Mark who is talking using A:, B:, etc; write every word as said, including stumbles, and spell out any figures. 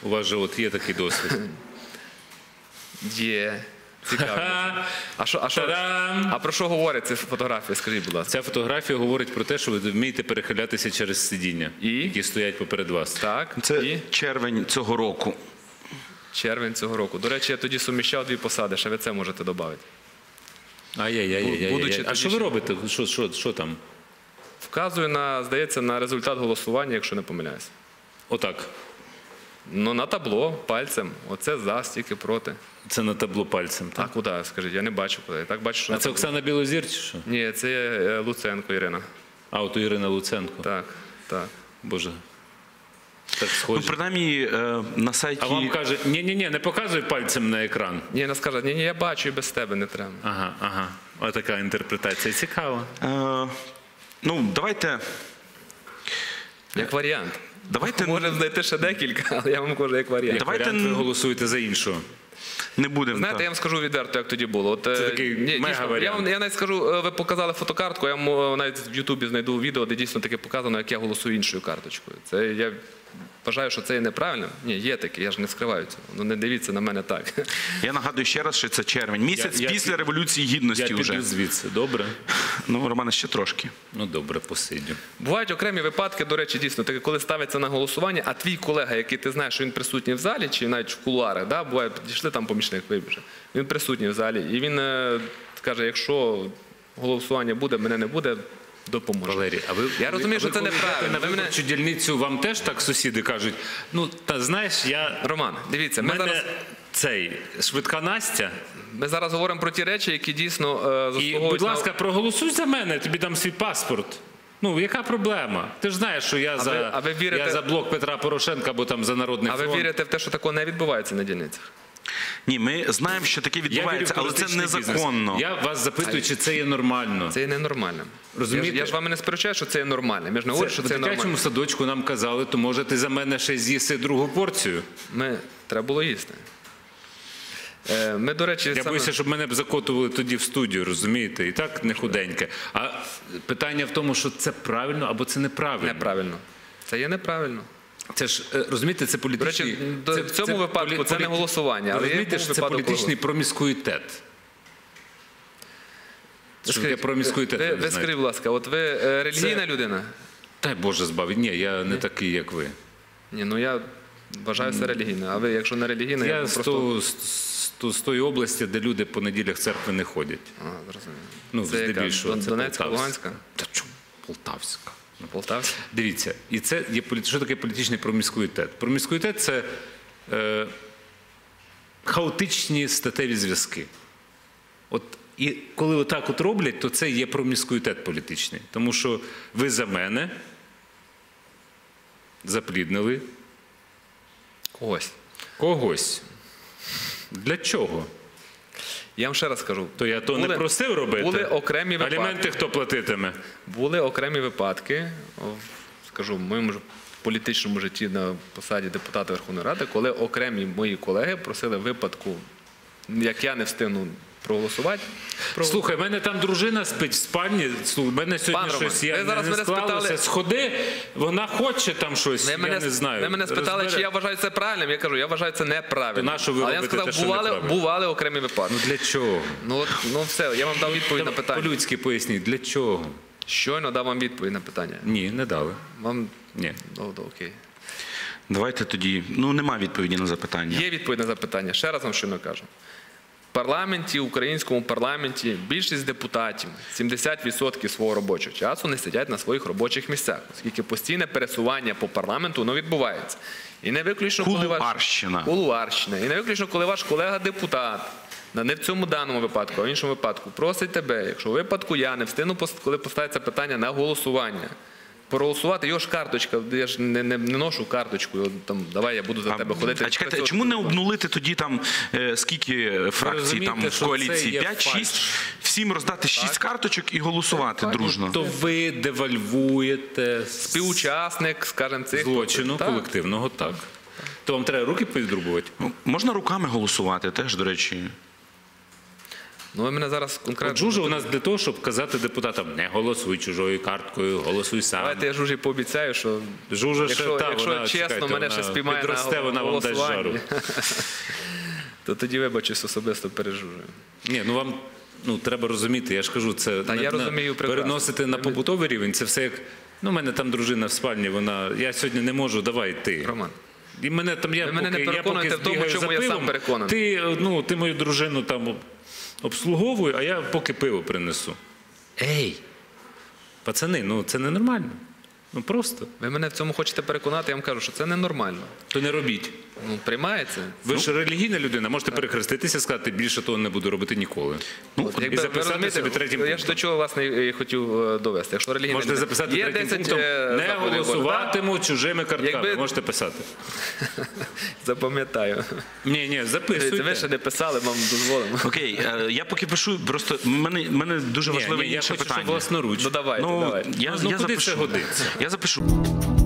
A: У вас же от є такий досвід.
B: Є. Цікаво. А, що, а, що, а про що говорить ця фотографія? Скажіть, будь ласка.
A: Ця фотографія говорить про те, що ви вмієте перехилятися через сидіння,
B: І?
A: які стоять поперед вас.
B: Так.
C: Це
B: І?
C: червень цього року.
B: Червень цього року. До речі, я тоді суміщав дві посади, ще ви це можете додати.
A: Ай-яй-яй-яй-яй. А що ви робите? Що, що, що там?
B: Вказую на, здається, на результат голосування, якщо не помиляюсь.
A: Отак.
B: Ну, на табло, пальцем. Оце за, стільки проти.
A: Це на табло пальцем.
B: А
A: Так?
B: куди, скажіть? Я не бачу куди. Я так бачу, що
A: А
B: на
A: це
B: табло.
A: Оксана Білозір чи що?
B: Ні, це е, Луценко Ірина.
A: А, от Ірина Луценко.
B: Так, так.
A: Боже. Так
C: Ну,
A: схоже.
C: принаймні, е, на сайті...
A: А вам каже, ні-ні-ні, не показуй пальцем на екран.
B: Ні, вона скаже, ні, ні, я бачу і без тебе не треба.
A: Ага, ага. Ось така інтерпретація. Цікава.
C: Е, ну, давайте...
B: Як варіант.
C: Давайте...
B: Можемо знайти ще декілька, але я вам кажу, як варіант.
A: Як
C: Давайте
A: варіант, ви
C: н-
A: голосуєте за іншого.
C: Не будемо...
B: Знаєте,
C: так.
B: я вам скажу відверто, як тоді було. От,
A: Це
B: е,
A: такий
B: ні, дійсно,
A: мега-варіант.
B: я, вам, я навіть скажу, е, ви показали фотокартку, я вам, е, навіть в Ютубі знайду відео, де дійсно таке показано, як я голосую іншою карточкою. Це я вважаю, що це є неправильно. Ні, є таке, я ж не скриваю цього. Ну не дивіться на мене так.
C: Я нагадую ще раз, що це червень. Місяць
A: Я- я
C: після
A: під-
C: Революції
A: Я
C: Гідності
A: піду
C: вже.
A: звідси, добре?
C: Ну, Романе, ще трошки.
A: Ну добре, посидю.
B: Бувають окремі випадки, до речі, дійсно, таке, коли ставиться на голосування, а твій колега, який ти знаєш, що він присутній в залі, чи навіть в кулуарах, да, буває, підійшли там помічник, вибіже, він присутній в залі, і він е, каже, якщо голосування буде, мене не буде, допоможе.
A: Валерій, а ви,
B: Я розумію,
A: а ви
B: що це
A: коли
B: неправильно.
A: йдете
B: Ви
A: на
B: мене-
A: виборчу дільницю, вам теж так сусіди кажуть, ну, та знаєш, я...
B: Роман, дивіться,
A: в
B: ми
A: мене
B: зараз,
A: цей, швидка Настя,
B: ми зараз говоримо про ті речі, які дійсно е,
A: і,
B: заслуговують
A: будь
B: на-
A: ласка, проголосуй за мене, я тобі дам свій паспорт. Ну, яка проблема? Ти ж знаєш, що я, за,
B: ви- а ви вірите-
A: я за блок Петра Порошенка, або там за Народний
B: А ви
A: фронт.
B: вірите в те, що такого не відбувається на дільницях?
C: Ні, ми знаємо, що таке
A: Я вірю
C: відбувається,
A: в
C: але це
A: політичний
C: незаконно.
A: бізнес. Я вас запитую, чи це є нормально.
B: Це є ненормально.
A: Розумієте?
B: Я ж, я ж вами не сперечаю, що це є нормально. Ми ж не говоримо, що
A: в
B: це є
A: дитячому
B: нормально.
A: садочку нам казали, то може ти за мене ще з'їси другу порцію.
B: Ми, треба було їсти. Е, Ми, до речі,
A: Я
B: саме...
A: боюся, щоб мене б закотували тоді в студію, розумієте? І так не худеньке. А питання в тому, що це правильно або це неправильно.
B: Неправильно. Це є неправильно.
A: Це ж, е, розумієте, це
B: До
A: політичний...
B: речі, до- в цьому випадку це не голосування, але є
A: розумієте,
B: був
A: що це
B: випадок,
A: політичний
B: коли-
A: проміскуїтет. Що таке
B: Скажіть,
A: проміскуїтет,
B: ви,
A: ви
B: ви
A: знаєте?
B: скажіть, будь ласка, от ви е, релігійна людина?
A: Дай Боже збавить. Ні, я не такий, як ви.
B: Ні, ну я вважаю це релігійною. А ви, якщо не релігійна, я,
A: Я
B: вам
A: з,
B: просто...
A: того- з, з, з, з тої області, де люди по неділях в церкви не ходять.
B: А, зрозуміло.
A: Ну,
B: це яка?
A: здебільшого,
B: Дон-
A: це
B: Донецька,
A: Полтавська.
B: Луганська?
A: Та чому? Полтавська.
B: Полтавська?
A: Дивіться, і це є полі- що таке політичний проміскуїтет? Проміскуїтет – це е, хаотичні статеві зв'язки. От, і коли отак от роблять, то це є проміскуїтет політичний. Тому що ви за мене запліднили
B: Когось.
A: когось. Для чого?
B: Я вам ще раз скажу.
A: То я то
B: Були-
A: не просив робити.
B: Були окремі випадки.
A: Аліменти хто платитиме?
B: Були окремі випадки, в, скажу, в моєму ж політичному житті на посаді депутата Верховної Ради, коли окремі мої колеги просили випадку, як я не встигну проголосувати. про-
A: Слухай, в мене там дружина спить в спальні, слухай, в мене сьогодні
B: Пан Роман,
A: щось, я
B: ви зараз
A: не, не
B: мене
A: склалося,
B: спитали-
A: сходи, вона хоче там щось,
B: Ви
A: я
B: мене,
A: не знаю.
B: ви мене спитали,
A: Розбере-
B: чи я вважаю це правильним. Я кажу, я вважаю це неправильно.
A: То на що ви
B: Але я
A: робите
B: сказав,
A: те, що
B: бували,
A: неправильно?
B: бували окремі випадки.
A: Ну для чого?
B: Ну, от, ну все, я вам дав відповідь на питання.
A: По-людськи поясніть, для чого?
B: Щойно дав вам відповідь на питання.
A: Ні, не дали.
B: Вам...
A: Ні.
B: Ну, то окей.
C: Давайте тоді... Ну, нема відповіді на запитання.
B: Є відповідь на запитання. Ще раз вам щойно кажу. В парламенті, українському парламенті, більшість депутатів, сімдесят відсотків свого робочого часу не сидять на своїх робочих місцях, оскільки постійне пересування по парламенту воно відбувається. І не виключно, коли ваш...
C: Кулуарщина.
B: Кулуарщина. І не виключно, коли ваш колега-депутат, не в цьому даному випадку, а в іншому випадку, просить тебе, якщо в випадку я не встигну, коли поставиться питання на голосування, проголосувати, його ж карточка, я ж не, не, не ношу карточку, там, давай я буду за тебе ходити.
C: А чекайте, чому не обнулити тоді там е, скільки фракцій
A: розумієте,
C: там в
A: що
C: коаліції?
A: це є
C: п'ять-шість?
A: фальш?
C: Всім роздати шість карточок і голосувати дружно.
A: То ви девальвуєте
B: Співучасник, скажімо, цих
A: злочину
B: Так.
A: колективного, так. То вам треба руки підрубувати?
C: Ну, можна руками голосувати теж, до речі.
B: Ну, ви мене зараз
A: От
B: конкретно...
A: Жужа у нас для того, щоб казати депутатам, не голосуй чужою карткою, голосуй сам.
B: Давайте я Жужі пообіцяю, що
A: Жужа ще,
B: якщо,
A: та,
B: якщо
A: вона,
B: чесно,
A: чекайте,
B: мене
A: вона
B: ще спіймає на
A: підросте, вона вам дасть
B: голосуванні,
A: жару.
B: то тоді вибачусь особисто перед Жужею.
A: Ні, ну вам ну, треба розуміти, я ж кажу, це
B: Та
A: на-
B: я
A: на-
B: розумію прекрасно.
A: переносити на побутовий рівень, це все як, ну, у мене там дружина в спальні, вона, я сьогодні не можу, давай ти.
B: Роман.
A: І мене там, я
B: Ви мене
A: поки,
B: не
A: я поки
B: переконуєте в тому,
A: збігаю
B: чому
A: за
B: я сам
A: пивом,
B: переконаний.
A: ти, ну, ти мою дружину там обслуговуй, а я поки пиво принесу. Ей, пацани, ну це ненормально. Ну просто.
B: Ви мене в цьому хочете переконати, я вам кажу, що це ненормально.
A: То не робіть.
B: Ну, приймається.
A: Ви ж релігійна людина, можете перехреститися і сказати, більше того не буду робити ніколи.
B: Ну,
A: і
B: якби, ви
A: записати
B: розумієте,
A: собі третім
B: я ж
A: пунктом.
B: до чого, власне, і хотів е, довести. Якщо релігійна
A: Можете
B: людина-
A: записати
B: є
A: третім
B: десять,
A: пунктом,
B: е,
A: не
B: заповідей Божих,
A: голосуватиму чужими картками.
B: Якби-
A: Можете писати.
B: так? Запам'ятаю.
A: Ні, ні,
B: Це ви
A: записуйте.
B: ще не писали, вам дозволимо.
C: Окей, е, я поки пишу, просто в мене, в мене дуже
A: Ні,
C: важливе
A: ні, я
C: інше
A: хочу,
C: питання.
A: щоб власноруч.
B: Ну давайте,
C: Ну,
B: давайте.
C: я,
A: Ну,
C: я
A: куди
C: запишу.
A: це годиться?
C: Я запишу.